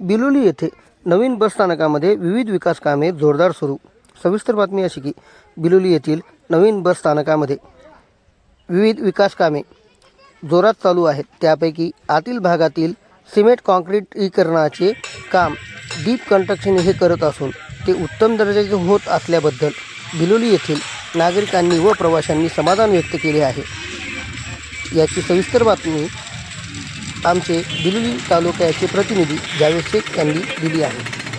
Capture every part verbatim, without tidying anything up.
बिलोली येथे नवीन बसस्थानकामध्ये विविध विकास कामे जोरदार सुरू. सविस्तर बातमी अशी की बिलोली येथील नवीन बसस्थानकामध्ये विविध विकास कामे जोरात चालू आहेत. त्यापैकी आतील भागातील सिमेंट काँक्रिटीकरणाचे काम डीप कन्स्ट्रक्शन हे करत असून ते उत्तम दर्जाचे होत असल्याबद्दल बिलोली येथील नागरिकांनी व प्रवाशांनी समाधान व्यक्त केले आहे. याची सविस्तर बातमी आमचे बिलोली तालुक्याचे प्रतिनिधी जावेद शेख यांनी दिली आहे.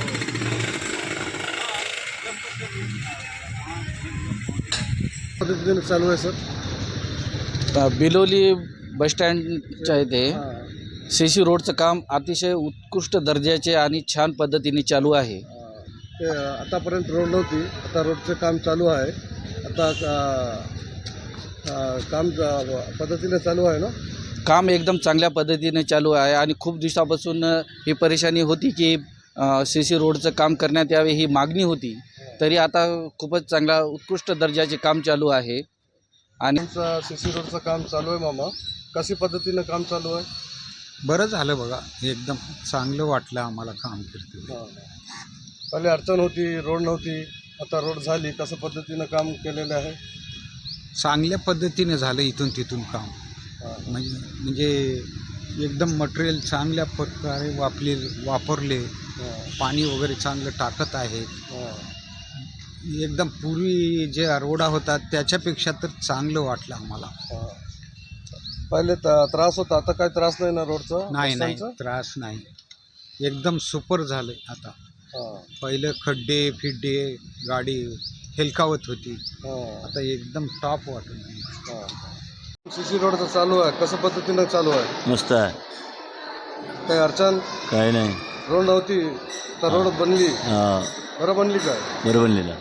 पद्धतीने चालू आहे सर. बिलोली बसस्टँडच्या इथे सी सी रोडचं काम अतिशय उत्कृष्ट दर्जाचे आणि छान पद्धतीने चालू आहे. ते आतापर्यंत रोड नव्हती, आता रोडचं काम चालू आहे. आता काम पद्धतीने चालू आहे ना. काम एकदम चांगल्या पद्धतीने चालू आहे आणि खूप दिवसापासून ही परेशानी होती की सी सी रोडचं काम करण्यात यावे ही मागणी होती. तरी आता खूपच चांगला उत्कृष्ट दर्जाचे काम चालू आहे. आणि सी सी रोडचं काम चालू आहे मामा. कशी पद्धतीनं काम चालू आहे? बरं झालं बघा, एकदम चांगलं वाटलं आम्हाला काम करते. हां, पहिले अडचण होती, रोड नव्हती, आता रोड झाली. कसं पद्धतीनं काम केलेलं आहे? चांगल्या पद्धतीने झालं इथून तिथून काम. म्हणजे म्हणजे एकदम मटेरियल चांगल्या प्रकारे वापले वापरले पाणी वगैरे चांगलं टाकत आहेत. एकदम पूर्वी जे रोडा होता त्याच्यापेक्षा तर चांगलं वाटलं आम्हाला. पहिले त्रास होता, आता काय त्रास नाही ना रोडचा? नाही नाही त्रास नाही, एकदम सुपर झालं आता. पहिलं खड्डे फिड्डे गाडी हेलकावत होती, आता एकदम टॉप वाटून. सी सी रोडचं चालू आहे, कसं पद्धतीनं चालू आहे? मस्त आहे, काही अडचण काय नाही. रोड नव्हती तर रोड बनली. हां, बरं बनली काय? बरं बनलेला.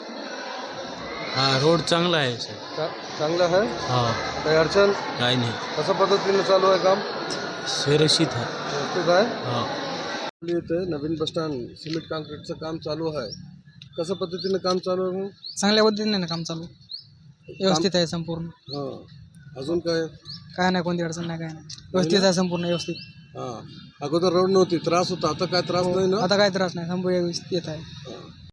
हा रोड चांगला आहे सर. चा- चांगलं आहे. हा काही अडचण? काही नाही, कसं पद्धतीनं चालू आहे काम? सुरक्षित आहे. व्यवस्थित आहे. हा इथे नवीन बसस्टँड सिमेंट काँक्रीटचं काम चालू आहे. कसं पद्धतीनं काम चालू आहे? चांगल्या पद्धतीने ना काम चालू व्यवस्थित आहे संपूर्ण. हां, अजून काय? काय नाही, कोणती अडचण नाही, काय नाही, व्यवस्थित आहे संपूर्ण व्यवस्थित. हां, अगोदर रोड नव्हती, त्रास होता, आता काय त्रास नाही ना? आता काय त्रास नाही, संपूर्ण व्यवस्थित आहे. हां.